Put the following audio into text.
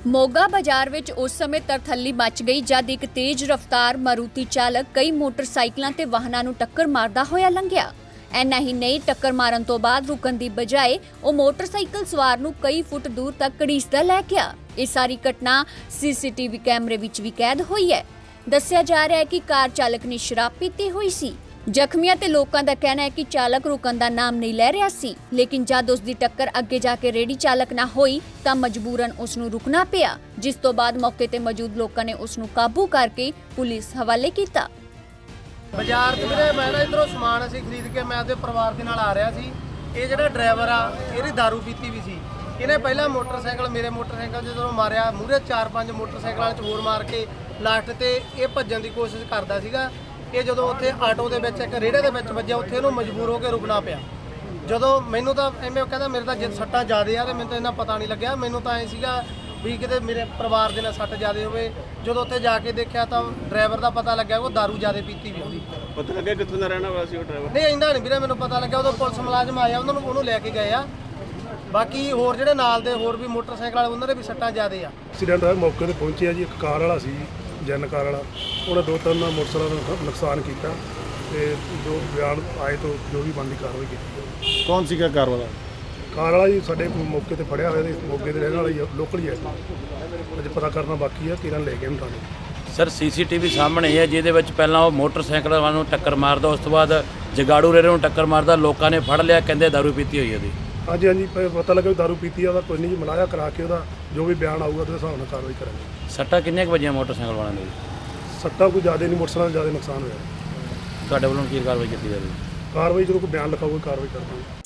ਮੋਗਾ ਬਾਜ਼ਾਰ ਵਿੱਚ ਉਸ ਸਮੇਂ ਤਰਥੱਲੀ ਮਚ ਗਈ ਜਦ ਇੱਕ ਤੇਜ਼ ਰਫ਼ਤਾਰ ਮਾਰੂਤੀ ਚਾਲਕ ਕਈ ਮੋਟਰਸਾਈਕਲਾਂ ਤੇ ਵਾਹਨਾਂ ਨੂੰ ਟੱਕਰ ਮਾਰਦਾ ਹੋਇਆ ਲੰਘਿਆ। ਐਨਾ ਹੀ ਨਹੀਂ, ਟੱਕਰ ਮਾਰਨ ਤੋਂ ਬਾਅਦ ਰੁਕਣ ਦੀ ਬਜਾਏ ਉਹ ਮੋਟਰਸਾਈਕਲ ਸਵਾਰ ਨੂੰ ਕਈ ਫੁੱਟ ਦੂਰ ਤੱਕ ਘੜੀਸਦਾ ਲੈ ਗਿਆ। ਇਹ ਸਾਰੀ ਘਟਨਾ ਸੀਸੀਟੀਵੀ ਕੈਮਰੇ ਵਿੱਚ ਵੀ ਕੈਦ ਹੋਈ ਹੈ। ਦੱਸਿਆ ਜਾ ਰਿਹਾ ਹੈ ਕਿ ਕਾਰ ਚਾਲਕ ਨੇ ਸ਼ਰਾਬ ਪੀਤੀ ਹੋਈ ਸੀ। ਜ਼ਖਮੀਆਂ ਤੇ ਲੋਕਾਂ ਦਾ ਕਹਿਣਾ ਹੈ ਕਿ ਚਾਲਕ ਰੁਕਣ ਦਾ ਨਾਮ ਨਹੀਂ ਲੈ ਰਿਹਾ ਸੀ, ਲੇਕਿਨ ਜਦ ਉਸ ਦੀ ਟੱਕਰ ਅੱਗੇ ਜਾ ਕੇ ਰੇਹੜੀ ਚਾਲਕ ਨਾਲ ਹੋਈ ਤਾਂ ਮਜਬੂਰਨ ਉਸ ਨੂੰ ਰੁਕਣਾ ਪਿਆ, ਜਿਸ ਤੋਂ ਬਾਅਦ ਮੌਕੇ ਤੇ ਮੌਜੂਦ ਲੋਕਾਂ ਨੇ ਉਸ ਨੂੰ ਕਾਬੂ ਕਰਕੇ ਪੁਲਿਸ ਹਵਾਲੇ ਕੀਤਾ। ਬਾਜ਼ਾਰ 'ਚ ਵੀਰੇ ਮੈਂ ਨਾ ਇੱਧਰੋਂ ਸਮਾਨ ਅਸੀਂ ਖਰੀਦ ਕੇ ਮੈਂ ਆਪਦੇ ਪਰਿਵਾਰ ਦੇ ਨਾਲ ਆ ਰਿਹਾ ਸੀ। ਇਹ ਜਿਹੜਾ ਡਰਾਈਵਰ ਆ ਇਹਦੀ ਦਾਰੂ ਪੀਤੀ ਵੀ ਸੀ। ਇਹਨੇ ਪਹਿਲਾਂ ਮੋਟਰਸਾਈਕਲ ਮੇਰੇ ਮੋਟਰਸਾਈਕਲ ਜਦੋਂ ਮਾਰਿਆ, ਮੂਹਰੇ 4-5 ਮੋਟਰਸਾਈਕਲਾਂ 'ਚ ਹੋਰ ਮਾਰ ਕੇ ਲਾਸਟ ਤੇ ਇਹ ਭੱਜਣ ਦੀ ਕੋਸ਼ਿਸ਼ ਕਰਦਾ ਸੀਗਾ। ਇਹ ਜਦੋਂ ਉੱਥੇ ਆਟੋ ਦੇ ਵਿੱਚ ਇੱਕ ਰੇੜੇ ਦੇ ਵਿੱਚ ਵੱਜਿਆ, ਉੱਥੇ ਇਹਨੂੰ ਮਜਬੂਰ ਹੋ ਕੇ ਰੁਕਣਾ ਪਿਆ। ਜਦੋਂ ਮੈਨੂੰ ਤਾਂ ਐਵੇਂ ਕਹਿੰਦਾ ਮੇਰੇ ਤਾਂ ਸੱਟਾਂ ਜ਼ਿਆਦੇ ਆ ਤੇ ਮੈਨੂੰ ਤਾਂ ਇਹਨਾਂ ਪਤਾ ਨਹੀਂ ਲੱਗਿਆ। ਮੈਨੂੰ ਤਾਂ ਐ ਸੀਗਾ ਵੀ ਕਿਤੇ ਮੇਰੇ ਪਰਿਵਾਰ ਦੇ ਨਾਲ ਸੱਟ ਜ਼ਿਆਦੇ ਹੋਵੇ। ਜਦੋਂ ਉੱਥੇ ਜਾ ਕੇ ਦੇਖਿਆ ਤਾਂ ਡਰਾਈਵਰ ਦਾ ਪਤਾ ਲੱਗਿਆ ਉਹ ਦਾਰੂ ਜ਼ਿਆਦੇ ਪੀਤੀ ਵੀ ਉਹਦੀ। ਪਤਾ ਲੱਗਿਆ ਕਿੱਥੋਂ ਦਾ ਰਹਿਣਾ ਵਾਲਾ ਸੀ ਉਹ ਡਰਾਈਵਰ? ਨਹੀਂ ਇੰਦਾ ਨਹੀਂ ਵੀਰੇ ਮੈਨੂੰ ਪਤਾ ਲੱਗਿਆ। ਉਦੋਂ ਪੁਲਿਸ ਮੁਲਾਜ਼ਮ ਆਇਆ, ਉਹਨੂੰ ਲੈ ਕੇ ਗਏ ਆ। ਬਾਕੀ ਹੋਰ ਜਿਹੜੇ ਨਾਲ ਦੇ ਹੋਰ ਵੀ ਮੋਟਰਸਾਈਕਲ ਵਾਲੇ ਉਹਨਾਂ ਦੇ ਵੀ ਸੱਟਾਂ ਜ਼ਿਆਦੇ ਆ। ਐਕਸੀਡੈਂਟ ਹੋਇਆ, ਮੌਕੇ ਤੇ ਪਹੁੰਚਿਆ ਜੀ। ਇੱਕ ਕਾਰ ਵਾਲਾ ਸੀ, ਜਨ ਕਾਰ ਵਾਲਾ, ਉਹਨੇ 2-3 ਮੋਟਰਸਾਈਕਲਾਂ ਦਾ ਨੁਕਸਾਨ ਕੀਤਾ ਤੇ ਜੋ ਬਿਆਨ ਆਏ ਤੋਂ ਜੋ ਵੀ ਬਣਦੀ ਕਾਰਵਾਈ ਕੀਤੀ। ਕੌਣ ਸੀਗਾ ਕਾਰ ਵਾਲਾ? ਕਾਰ ਵਾਲਾ ਜੀ ਸਾਡੇ ਮੌਕੇ ਤੇ ਫੜਿਆ ਹੋਇਆ, ਤੇ ਮੌਕੇ ਦੇ ਰਹਿਣ ਵਾਲਾ ਹੀ ਲੋਕਲ ਹੀ ਹੈ। ਅਜੇ ਪਤਾ ਕਰਨਾ ਬਾਕੀ ਆ, ਕਿਹਨਾਂ ਲੈ ਕੇ ਉਹਨੂੰ ਥਾਣੇ। ਸਰ ਸੀਸੀਟੀਵੀ ਸਾਹਮਣੇ ਹੈ, ਜਿਹਦੇ ਵਿੱਚ ਪਹਿਲਾਂ ਉਹ ਮੋਟਰਸਾਈਕਲ ਵਾਲੇ ਨੂੰ ਟੱਕਰ ਮਾਰਦਾ, ਉਸ ਤੋਂ ਬਾਅਦ ਜਗਾੜੂ ਰੇਰੇ ਨੂੰ ਟੱਕਰ ਮਾਰਦਾ। ਲੋਕਾਂ ਨੇ ਫੜ ਲਿਆ, ਕਹਿੰਦੇ ਦਾਰੂ ਪੀਤੀ ਹੋਈ ਉਹਦੀ। ਹਾਂਜੀ ਪਤਾ ਲੱਗਾ ਵੀ ਦਾਰੂ ਪੀਤੀ ਆ। ਉਹਦਾ ਕੋਈ ਨਹੀਂ ਜੀ, ਮਲਾਇਆ ਕਰਾ ਕੇ ਉਹਦਾ ਜੋ ਵੀ ਬਿਆਨ ਆਊਗਾ ਉਹਦੇ ਹਿਸਾਬ ਨਾਲ ਕਾਰਵਾਈ ਕਰਾਂਗੇ। ਸੱਟਾਂ ਕਿੰਨੀਆਂ ਕੁ ਵੱਜੀਆਂ ਮੋਟਰਸਾਈਕਲ ਵਾਲਿਆਂ ਦੇ? ਸੱਟਾਂ ਕੋਈ ਜ਼ਿਆਦਾ ਨਹੀਂ, ਮੋਟਰਸਾਈਕਲ ਜ਼ਿਆਦਾ ਨੁਕਸਾਨ ਹੋਇਆ। ਤੁਹਾਡੇ ਵੱਲੋਂ ਕੀ ਕਾਰਵਾਈ ਕੀਤੀ ਜਾਵੇ? ਕਾਰਵਾਈ ਜਦੋਂ ਕੋਈ ਬਿਆਨ ਲਿਖਾਊਗਾ ਕਾਰਵਾਈ ਕਰਾਂਗੇ।